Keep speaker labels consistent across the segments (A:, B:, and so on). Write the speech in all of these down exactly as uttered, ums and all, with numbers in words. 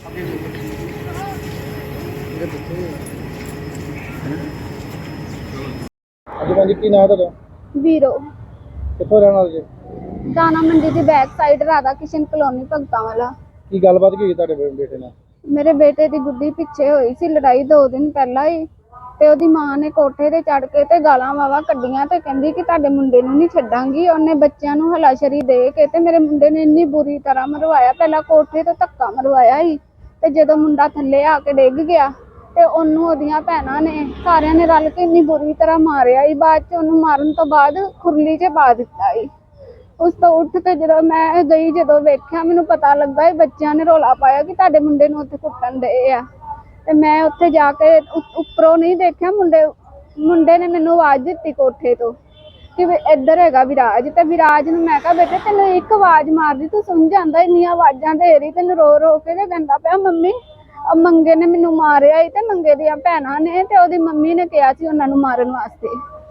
A: ਹਾਂਜੀ ਭਾਜੀ, ਕੀ ਨਾਮ ਤੁਹਾਡਾ?
B: ਵੀਰੋ।
A: ਕਿੱਥੋਂ ਰਹਿਣ ਵਾਲੇ ਜੀ?
B: ਦਾਣਾ ਮੰਡੀ ਦੀ back side Radha Kishan colony ਭਗਤਾਂ ਵਾਲਾ।
A: ਕੀ ਗੱਲਬਾਤ ਕੀ ਹੋਈ ਤੁਹਾਡੇ ਬੇ- ਬੇਟੇ ਨਾਲ?
B: ਮੇਰੇ ਬੇਟੇ ਦੀ ਗੁੱਡੀ ਪਿੱਛੇ ਹੋਈ ਸੀ ਲੜਾਈ ਦੋ ਦਿਨ ਪਹਿਲਾਂ ਹੀ, ਤੇ ਉਹਦੀ ਮਾਂ ਨੇ ਕੋਠੇ ਤੇ ਚੜ ਕੇ ਤੇ ਗਾਲਾਂ ਵਾਵਾ ਕੱਢੀਆਂ ਤੇ ਕਹਿੰਦੀ ਕਿ ਤੁਹਾਡੇ ਮੁੰਡੇ ਨੂੰ ਨਹੀਂ ਛੱਡਾਂਗੀ। ਉਹਨੇ ਬੱਚਿਆਂ ਨੂੰ ਹਲਾਸ਼ਰੀ ਦੇ ਕੇ ਤੇ ਮੇਰੇ ਮੁੰਡੇ ਨੇ ਇੰਨੀ ਬੁਰੀ ਤਰ੍ਹਾਂ ਮਰਵਾਇਆ। ਪਹਿਲਾਂ ਕੋਠੇ ਤੋਂ ਧੱਕਾ ਮਰਵਾਇਆ ਸੀ, ਤੇ ਜਦੋਂ ਮੁੰਡਾ ਥੱਲੇ ਆ ਕੇ ਡਿੱਗ ਗਿਆ ਤੇ ਉਹਨੂੰ ਉਹਦੀਆਂ ਭੈਣਾਂ ਨੇ ਸਾਰਿਆਂ ਨੇ ਰਲ ਕੇ ਇੰਨੀ ਬੁਰੀ ਤਰ੍ਹਾਂ ਮਾਰਿਆ ਸੀ। ਬਾਅਦ ਚ ਉਹਨੂੰ ਮਾਰਨ ਤੋਂ ਬਾਅਦ ਖੁਰਲੀ 'ਚ ਪਾ ਦਿੱਤਾ ਸੀ। ਉਸ ਤੋਂ ਉੱਠ ਕੇ ਜਦੋਂ ਮੈਂ ਗਈ, ਜਦੋਂ ਵੇਖਿਆ ਮੈਨੂੰ ਪਤਾ ਲੱਗਾ ਇਹ ਬੱਚਿਆਂ ਨੇ ਰੌਲਾ ਪਾਇਆ ਕਿ ਤੁਹਾਡੇ ਮੁੰਡੇ ਨੂੰ ਉੱਥੇ ਕੁੱਟਣ ਡਏ ਆ। ਤੇ ਮੈਂ ਉੱਥੇ ਜਾ ਕੇ ਉੱਪਰੋਂ ਨਹੀਂ ਦੇਖਿਆ, ਮੁੰਡੇ ਮੁੰਡੇ ਨੇ ਮੈਨੂੰ ਆਵਾਜ਼ ਦਿੱਤੀ ਕੋਠੇ ਤੋਂ ਕਿ ਇੱਧਰ ਹੈਗਾ ਵਿਰਾਜ। ਤੇ ਵਿਰਾਜ ਨੂੰ ਮੈਂ ਕਿਹਾ ਬੇਟੇ ਤੈਨੂੰ ਇੱਕ ਆਵਾਜ਼ ਮਾਰਦੀ ਤੂੰ ਸੁਣ ਜਾਂਦਾ, ਇੰਨੀਆਂ ਆਵਾਜ਼ਾਂ ਦੇ ਰਹੀ ਤੈਨੂੰ ਰੋ ਰੋ ਕੇ। ਤੇ ਕਹਿੰਦਾ ਪਿਆ ਮੰਮੀ ਮੰਗੇ ਨੇ ਮੈਨੂੰ ਮਾਰਿਆ ਸੀ ਤੇ ਮੰਗੇ ਦੀਆਂ ਭੈਣਾਂ ਨੇ ਤੇ ਉਹਦੀ ਮੰਮੀ ਨੇ ਕਿਹਾ ਸੀ ਉਹਨਾਂ ਨੂੰ ਮਾਰਨ ਵਾਸਤੇ।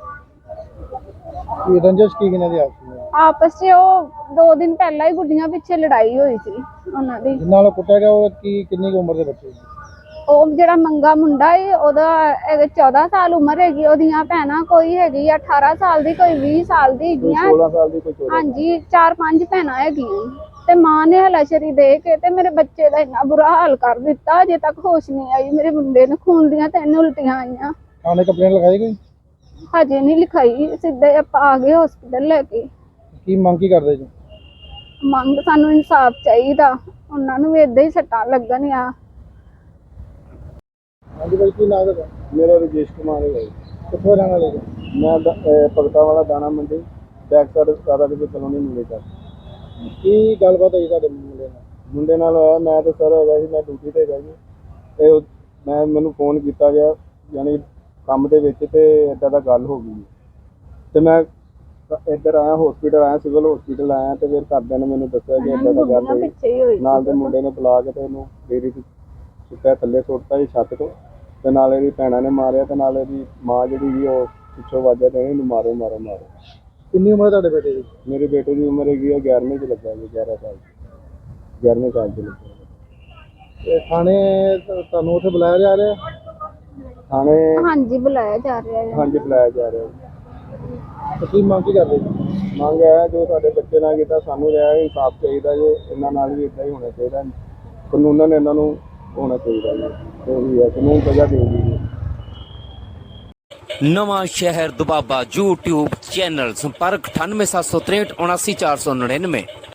A: ਕੀ ਰੰਜਿਸ਼ ਕੀ ਕਿਨਾਂ ਦੀ ਆਪਸ ਵਿੱਚ?
B: ਆਪਸ 'ਚ ਉਹ ਦੋ ਦਿਨ ਪਹਿਲਾਂ ਹੀ ਗੁੱਡੀਆਂ ਪਿੱਛੇ ਲੜਾਈ ਹੋਈ ਸੀ ਉਹਨਾਂ ਦੀ।
A: ਜਿੰਨਾਂ ਨਾਲ ਕੁੱਟਿਆ ਗਿਆ ਉਹ ਕੀ ਕਿੰਨੀ ਕੁ ਉਮਰ ਦੇ ਬੱਚੇ?
B: ਉਹ ਜਿਹੜਾ ਮੰਗਾ ਮੁੰਡਾ ਏ ਉਹਦਾ ਚੌਦਾਂ ਸਾਲ ਉਮਰ ਹੈਗੀ, ਉਹਦੀਆਂ ਭੈਣਾਂ ਕੋਈ ਹੈਗੀ ਅਠਾਰਾਂ ਸਾਲ ਦੀ, ਕੋਈ ਵੀਹ ਸਾਲ ਦੀ ਹੈਗੀਆਂ।
A: ਸੋਲਾਂ ਸਾਲ ਦੀ, ਕੋਈ ਚੌਦਾਂ।
B: ਹਾਂਜੀ, ਚਾਰ ਪੰਜ ਭੈਣਾਂ ਹੈਗੀਆਂ। ਤੇ ਮਾਂ ਨੇ ਹਲਾਸ਼ਰੀ ਦੇ ਕੇ ਤੇ ਮੇਰੇ ਬੱਚੇ ਦਾ ਇੰਨਾ ਬੁਰਾ ਹਾਲ ਕਰ ਦਿੱਤਾ, ਅਜੇ ਤੱਕ ਹੋਸ਼ ਨਹੀਂ ਆਈ। ਮੇਰੇ ਮੁੰਡੇ ਨੂੰ ਖੂਨ ਦੀਆਂ ਤਿੰਨ ਉਲਟੀਆਂ ਆਈਆਂ।
A: ਥਾਣੇ ਕੰਪਲੇਂਟ ਲਗਾਈ ਗਈ?
B: ਹਜੇ ਨਹੀਂ ਲਿਖਾਈ, ਸਿੱਧੇ ਆਪਾਂ ਆ ਗਏ ਹਸਪੀਟਲ ਲੈ ਕੇ।
A: ਕੀ ਮੰਗ ਕੀ ਕਰਦੇ ਜੀ?
B: ਮੰਗ ਸਾਨੂੰ ਇਨਸਾਫ ਚਾਹੀਦਾ, ਉਹਨਾਂ ਨੂੰ ਵੀ ਏਦਾਂ ਹੀ ਸੱਟਾਂ ਲੱਗਣ ਆ।
A: ਹਾਂਜੀ ਭਾਈ, ਕੀ ਨਾਮ ਹੈ?
C: ਮੇਰਾ ਰਜੇਸ਼ ਕੁਮਾਰ ਹੈ ਜੀ।
A: ਕਿੱਥੋਂ ਰਹਿਣ ਵਾਲੇ ਜੀ?
C: ਮੈਂ ਭਗਤਾਂ ਵਾਲਾ ਦਾਣਾ ਮੰਡੀ back side Radha Kishan colony ਮੁੰਡੇ ਦਾ।
A: ਕੀ ਗੱਲਬਾਤ ਹੋਈ ਤੁਹਾਡੇ ਮੁੰਡੇ ਨਾਲ?
C: ਮੁੰਡੇ ਨਾਲ ਹੋਇਆ, ਮੈਂ ਤਾਂ ਸਰ ਹੈਗਾ ਸੀ, ਮੈਂ ਡਿਊਟੀ 'ਤੇ ਹੈਗਾ ਜੀ। ਅਤੇ ਮੈਂ ਮੈਨੂੰ ਫੋਨ ਕੀਤਾ ਗਿਆ ਯਾਨੀ ਕੰਮ ਦੇ ਵਿੱਚ, ਅਤੇ ਇੱਦਾਂ ਦਾ ਗੱਲ ਹੋ ਗਈ। ਅਤੇ ਮੈਂ ਇੱਧਰ ਆਇਆ, ਹੋਸਪੀਟਲ ਆਇਆ, ਸਿਵਲ ਹੋਸਪੀਟਲ ਆਇਆ, ਅਤੇ ਫਿਰ ਘਰਦਿਆਂ ਨੇ ਮੈਨੂੰ ਦੱਸਿਆ ਕਿ ਇੱਦਾਂ ਦਾ ਗੱਲ ਹੋਈ। ਨਾਲ ਦੇ ਮੁੰਡੇ ਨੇ ਬੁਲਾ ਕੇ ਅਤੇ ਉਹਨੂੰ ਡੇਰੀ 'ਚ ਸੁੱਟਿਆ, ਥੱਲੇ ਸੁੱਟਤਾ ਜੀ ਛੱਤ ਤੋਂ। ਅਤੇ ਨਾਲ ਇਹਦੀ ਭੈਣਾਂ ਨੇ ਮਾਰਿਆ, ਅਤੇ ਨਾਲ ਇਹਦੀ ਮਾਂ ਜਿਹੜੀ ਸੀ ਉਹ ਪਿੱਛੋਂ ਆਵਾਜ਼ਾਂ ਦੇਣੀ ਇਹਨੂੰ ਮਾਰੋ ਮਾਰੋ ਮਾਰੋ।
A: ਕਿੰਨੀ ਉਮਰ ਤੁਹਾਡੇ ਬੇਟੇ ਦੀ?
C: ਮੇਰੇ ਬੇਟੇ ਦੀ ਉਮਰ ਹੈਗੀ ਹੈ ਗਿਆਰਵੀਂ 'ਚ ਲੱਗਾ ਜੀ, ਗਿਆਰਾਂ ਸਾਲ ਗਿਆਰਵੀਂ ਸਾਲ 'ਚ ਲੱਗਾ।
A: ਤੇ ਥਾਣੇ ਤੁਹਾਨੂੰ ਉੱਥੇ ਬੁਲਾਇਆ ਜਾ ਰਿਹਾ?
C: ਥਾਣੇ
B: ਹਾਂਜੀ ਬੁਲਾਇਆ ਜਾ ਰਿਹਾ ਹੈ।
C: ਹਾਂਜੀ ਬੁਲਾਇਆ ਜਾ ਰਿਹਾ ਜੀ।
A: ਤੇ ਕੀ ਮੰਗ ਕੀ ਕਰਦੇ ਜੀ?
C: ਮੰਗ ਹੈ ਜੋ ਸਾਡੇ ਬੱਚੇ ਨਾਲ ਕੀਤਾ ਸਾਨੂੰ ਰਿਹਾ ਇਨਸਾਫ ਚਾਹੀਦਾ ਜੀ, ਇਹਨਾਂ ਨਾਲ ਵੀ ਇੱਦਾਂ ਹੀ ਹੋਣਾ ਚਾਹੀਦਾ, ਕਾਨੂੰਨ ਇਹਨਾਂ ਨੂੰ ਹੋਣਾ ਚਾਹੀਦਾ ਜੀ, ਜੋ ਵੀ ਹੈ ਕਾਨੂੰਨ ਸਜ਼ਾ ਦੇਊਗੀ ਜੀ।
D: ਨਵਾਂ ਸ਼ਹਿਰ ਦੁਬਾਬਾ YouTube ਚੈਨਲ, ਸੰਪਰਕ ਅਠਾਨਵੇਂ ਸੱਤ ਸੌ ਤਰੇਹਠ ਉਨਾਸੀ ਚਾਰ ਸੌ ਨੜਿਨਵੇਂ।